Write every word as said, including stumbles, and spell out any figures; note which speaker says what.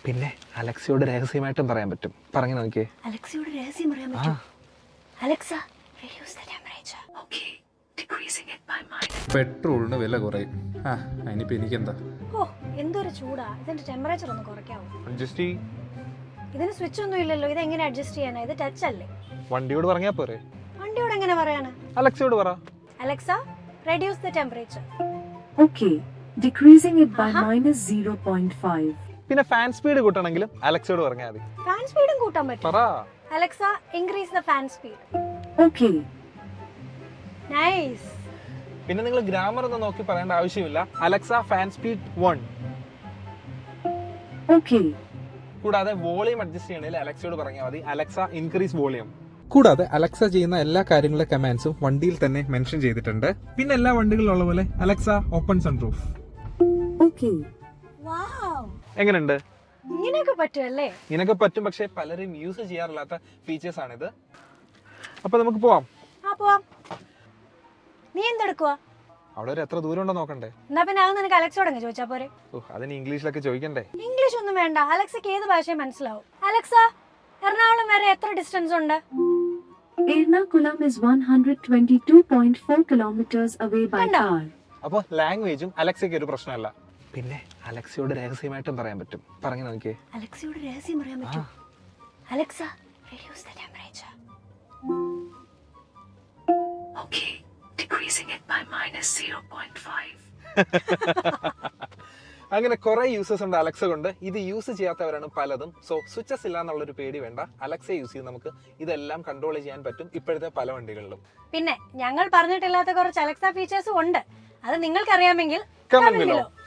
Speaker 1: പിന്നെ അലക്സയോട് രഹസ്യമായിട്ടും പറയാൻ പറ്റും. പറഞ്ഞു നോക്കിയേ.
Speaker 2: അലക്സയോട് രഹസ്യം പറയാൻ പറ്റും. Alexa, reduce the temperature. Okay, decreasing it by minus.
Speaker 3: പെട്രോളിന് വില കുറയും. ആ അതിനിപ്പോൾ എനിക്കെന്താ?
Speaker 2: ഓ എന്തൊരു ചൂടാ. ഇതിന്റെ ടെമ്പറേച്ചർ ഒന്ന് കുറയ്ക്കാവോ?
Speaker 1: അഡ്ജസ്റ്റ് ചെയ്യ്.
Speaker 2: ഇതിന് സ്വിച്ച് ഒന്നും ഇല്ലല്ലോ. ഇത് എങ്ങനെ അഡ്ജസ്റ്റ് ചെയ്യാനാ? ഇത് ടച്ച് അല്ലേ?
Speaker 1: വണ്ടിയോട് പറഞ്ഞാ പോരെ?
Speaker 2: വണ്ടിയോട് എങ്ങനെ പറയാനാ?
Speaker 1: അലക്സയോട് പറ.
Speaker 2: Alexa, reduce the temperature.
Speaker 4: Okay, decreasing it by minus zero point five.
Speaker 1: പിന്നെ ഫാൻ സ്പീഡ് കൂട്ടണമെങ്കിലും അലക്സയോട് പറഞ്ഞാൽ മതി.
Speaker 2: ഫാൻ സ്പീഡും കൂട്ടാൻ പറ്റും.
Speaker 1: പറ.
Speaker 2: Alexa, increase the fan speed.
Speaker 4: Okay.
Speaker 2: Nice.
Speaker 1: പിന്നെ നിങ്ങൾ ഗ്രാമർ ഒന്നും നോക്കി പറയേണ്ട ആവശ്യമില്ല. Alexa fan speed one.
Speaker 4: Okay.
Speaker 1: കൂടാതെ വോളിയം അഡ്ജസ്റ്റ് ചെയ്യണമെങ്കിൽ അലക്സയോട് പറഞ്ഞാൽ മതി. Alexa increase volume.
Speaker 3: കൂടാതെ അലക്സ ചെയ്യുന്ന എല്ലാ കാര്യങ്ങളുടെ കമാൻഡ്സും വണ്ടിയിൽ തന്നെ മെൻഷൻ ചെയ്തിട്ടുണ്ട്. പിന്നെ എല്ലാ വണ്ടികളിലുള്ള പോലെ Alexa open sunroof.
Speaker 4: Okay.
Speaker 2: Wow.
Speaker 1: എങ്ങനെയുണ്ട്?
Speaker 2: ഇങ്ങനെയൊക്കെ പറ്റുമല്ലേ?
Speaker 1: ഇങ്ങനെയൊക്കെ പറ്റും, പക്ഷെ പലരും യൂസ് ചെയ്യാറില്ലാത്ത ഫീച്ചേഴ്സ് ആണിത്. അപ്പൊ നമുക്ക് പോവാം.
Speaker 2: ആ പോവാം. നീ എന്തെടുക്കുവാ?
Speaker 1: അവിടെ ഒരു എത്ര ദൂരം ഉണ്ടോ നോക്കണ്ടേ?
Speaker 2: എന്നാ പിന്നെ അത് നിനക്ക് അലക്സോട് അങ്ങ് ചോദിച്ചാ പോരെ?
Speaker 1: ഓ അതിന് ഇംഗ്ലീഷിലൊക്കെ ചോദിക്കണ്ടേ?
Speaker 2: ഇംഗ്ലീഷ് ഒന്നും വേണ്ട. അലക്സക്ക് ഏത് ഭാഷയും മനസ്സിലാവും. അലക്സ, എറണാകുളം വരെ എത്ര ഡിസ്റ്റൻസ് ഉണ്ട്?
Speaker 4: Ernakulam is one hundred twenty-two point four kilometers away by
Speaker 2: Kanda.
Speaker 4: car.
Speaker 1: അപ്പൊ ലാംഗ്വേജും അലക്സയ്ക്ക് ഒരു പ്രശ്നമല്ല. പിന്നെ അലക്സയോട് രഹസ്യമായിട്ടും പറയാൻ പറ്റും. പറഞ്ഞു നോക്കിയേ.
Speaker 2: അലക്സയോട് രഹസ്യം പറയാൻ പറ്റും. Alexa, reduce the temperature. Okay, decreasing it by minus zero point five.
Speaker 1: അങ്ങനെ കുറെ യൂസേഴ്സ് ഉണ്ട് അലക്സ കൊണ്ട്. ഇത് യൂസ് ചെയ്യാത്തവരാണ് പലതും. സോ സ്വിച്ചസ് ഇല്ല എന്നുള്ളൊരു പേടി വേണ്ട. അലക്സ യൂസ് ചെയ്ത് നമുക്ക് ഇതെല്ലാം കൺട്രോൾ ചെയ്യാൻ പറ്റും ഇപ്പോഴത്തെ പല വണ്ടികളിലും.
Speaker 2: പിന്നെ ഞങ്ങൾ പറഞ്ഞിട്ടില്ലാത്ത കുറച്ച് അലക്സ ഫീച്ചേഴ്സും ഉണ്ട്. അത് നിങ്ങൾക്ക് അറിയാമെങ്കിൽ
Speaker 1: Comment below.